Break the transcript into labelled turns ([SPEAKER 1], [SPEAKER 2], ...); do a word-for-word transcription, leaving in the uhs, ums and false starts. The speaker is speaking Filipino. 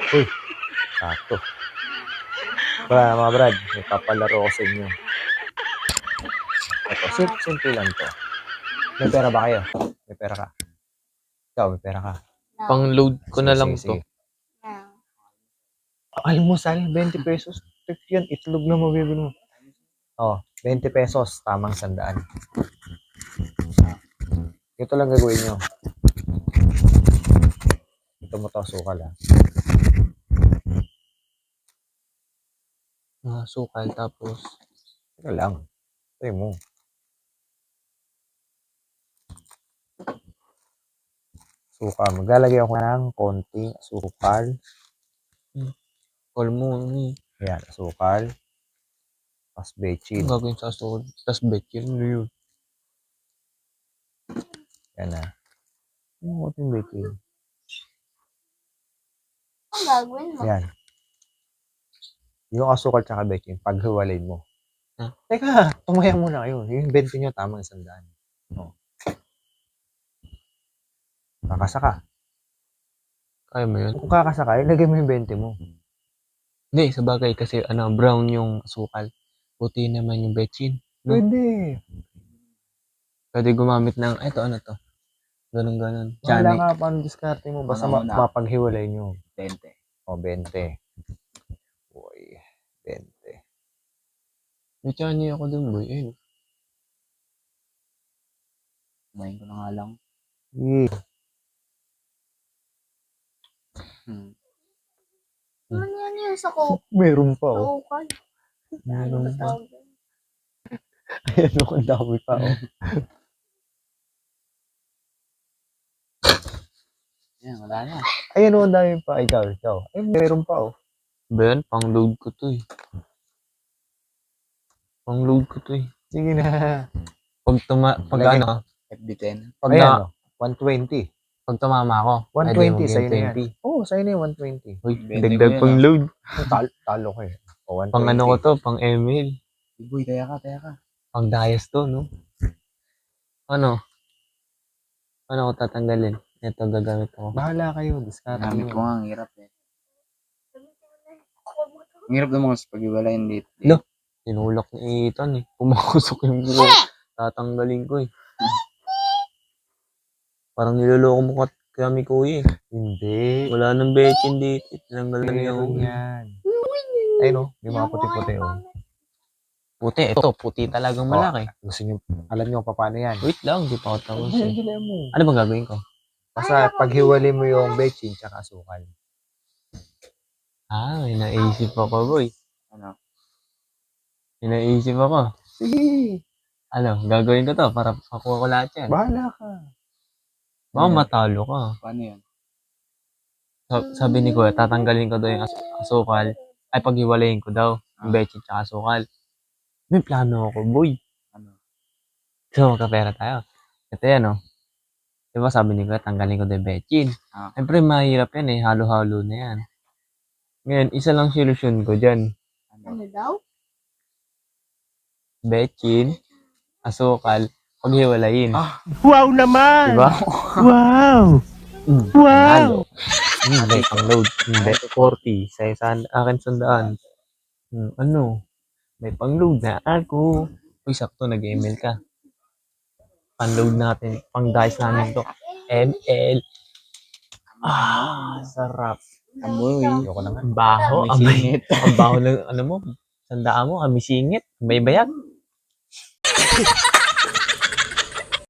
[SPEAKER 1] Uy, sakto. Bra, mga brad, may papalaro ko sa inyo. Ito, simple, simple lang to. May pera ba kayo? May pera ka? Ikaw, may pera ka?
[SPEAKER 2] Pang-load ko na lang to.
[SPEAKER 1] Almusal, twenty pesos. Tek yan, itlog na mabibili mo. Oh, twenty pesos, tamang sandaan. Ito lang gagawin nyo. Ito mo to, sukal ha.
[SPEAKER 2] Ah, sukal, tapos
[SPEAKER 1] Ito lang. Ito mo. Sukal. Maglalagay ako ng konting sukal.
[SPEAKER 2] call mo. Eh.
[SPEAKER 1] Yan, sukal. Tapos bechin.
[SPEAKER 2] Ang gagawin sa sukal. Tapos bechin. Ano yun?
[SPEAKER 1] Yan na. Yung konting bechin.
[SPEAKER 3] Ang gagawin mo?
[SPEAKER 1] Yan. Yung asukal tsaka bechin, paghiwalay mo.
[SPEAKER 2] Huh?
[SPEAKER 1] Teka, tumaya muna kayo. Yung bente nyo, tamang sandaan. Oh. Kakasaka.
[SPEAKER 2] Kaya mo yun?
[SPEAKER 1] Kung kakasaka, ilagay mo yung bente mo.
[SPEAKER 2] Hindi, sa bagay kasi ano, brown yung sukal. Puti naman yung bechin. No?
[SPEAKER 1] Pwede.
[SPEAKER 2] Pwede gumamit ng, eto ano to? Ganun ganon.
[SPEAKER 1] Wala
[SPEAKER 2] Chani.
[SPEAKER 1] ka paano diskarte mo. Basta ma- mapaghiwalay nyo.
[SPEAKER 4] twenty.
[SPEAKER 1] O, bente. Uy, bente.
[SPEAKER 2] May chani ako dun, boy. Ayun.
[SPEAKER 4] Kumain ko na nga lang.
[SPEAKER 1] Yeah.
[SPEAKER 4] Hmm.
[SPEAKER 3] Ano yan yun sa ko?
[SPEAKER 1] Meron pa, oh.
[SPEAKER 3] Sukal.
[SPEAKER 1] Meron
[SPEAKER 3] Ano
[SPEAKER 1] pa.
[SPEAKER 3] tawag doon?
[SPEAKER 1] Ayan, oh, ang dami pa, oh.
[SPEAKER 4] Yan, wala na.
[SPEAKER 1] Ayan, oh, ang dami pa. Ikaw, ikaw. Ay, meron pa, oh.
[SPEAKER 2] Ba yan? Pang-load ko to eh. Pang-load ko to eh.
[SPEAKER 1] Sige na.
[SPEAKER 2] Pag tuma... Pag
[SPEAKER 1] Lagay.
[SPEAKER 2] ano?
[SPEAKER 4] F B ten.
[SPEAKER 2] Pag
[SPEAKER 1] Ayan,
[SPEAKER 2] na...
[SPEAKER 1] oh. one twenty.
[SPEAKER 2] Pag tumama ako.
[SPEAKER 1] one
[SPEAKER 2] pwede
[SPEAKER 1] twenty,
[SPEAKER 2] maging
[SPEAKER 1] sa'yo na yan.
[SPEAKER 2] twenty.
[SPEAKER 1] Oo, oh, sa'yo na yung one twenty.
[SPEAKER 2] Uy,
[SPEAKER 4] Bente ko
[SPEAKER 2] dagdag
[SPEAKER 4] yun,
[SPEAKER 2] pang
[SPEAKER 4] ah.
[SPEAKER 2] load.
[SPEAKER 1] Talo, talo ko eh. O, one twenty.
[SPEAKER 2] Pang ano ko to, pang email.
[SPEAKER 4] Uy, taya ka, taya ka.
[SPEAKER 2] Pang dias to, no? Ano? Ano ko tatanggalin? Ito gagamit ako.
[SPEAKER 1] Bahala kayo. Discard
[SPEAKER 4] Gamit ko
[SPEAKER 1] nyo.
[SPEAKER 4] nga, ang hirap eh. Ang hirap naman sa pag-iwalayin dito.
[SPEAKER 2] No. Tinulak ni Ethan eh. Pumakusok yung buko. Tatanggalin ko eh. Parang niloloko mo kat kami kuya eh.
[SPEAKER 1] Hindi.
[SPEAKER 2] Wala nang bechin dito. Tinanggal na niya ako.
[SPEAKER 1] Meron yan. Ayun, oh. Yung mga puti-puti, oh.
[SPEAKER 2] Puti. Ito, puti talagang malaki.
[SPEAKER 1] Gusto nyo, alam nyo kung paano yan.
[SPEAKER 2] Wait lang, di pa ako tapos eh.
[SPEAKER 1] Hindi mo.
[SPEAKER 2] Ano bang gagawin ko?
[SPEAKER 1] Basta paghiwalay mo yung bechin tsaka sukal.
[SPEAKER 2] Ah, may naisip ako, boy.
[SPEAKER 4] Ano?
[SPEAKER 2] May naisip ako.
[SPEAKER 1] Sige.
[SPEAKER 2] Ano, gagawin ko to para makuha ko lahat yan.
[SPEAKER 1] Bahala ka.
[SPEAKER 2] Baka matalo ka.
[SPEAKER 4] Paano yan?
[SPEAKER 2] Sa- Sabi ni Kuya, tatanggalin ko daw yung as- asukal. Ay, paghiwalayin ko daw. Yung bechin tsaka asukal. May plano ako, boy.
[SPEAKER 4] Ano?
[SPEAKER 2] So, magkapera tayo. Ito yan, oh. Diba sabi ni Kuya, tanggalin ko daw yung bechin.
[SPEAKER 4] Ah.
[SPEAKER 2] Siyempre, mahirap yan eh. Halo-halo na yan. Ngayon, isa lang solusyon ko dyan.
[SPEAKER 3] Ano daw?
[SPEAKER 2] Bechin, asukal, paghiwalayin.
[SPEAKER 4] Ah.
[SPEAKER 5] Wow naman!
[SPEAKER 2] Diba?
[SPEAKER 5] Wow!
[SPEAKER 2] Mm,
[SPEAKER 5] Wow!
[SPEAKER 2] Hmm, may pang-load. Hindi, forty. Sa isang akin sandaan. Hmm, ano? May pang-load na ako. Uy, sakto, nag-email ka. Pang-load natin. Pang-dice namin to. M L. Ah, sarap.
[SPEAKER 4] Amoy.
[SPEAKER 1] Ayoko na nga.
[SPEAKER 2] Ang baho.
[SPEAKER 4] May
[SPEAKER 2] Ang bay-
[SPEAKER 4] singit.
[SPEAKER 2] ang baho ng, ano mo, sandaan mo, ami singit, may bayag.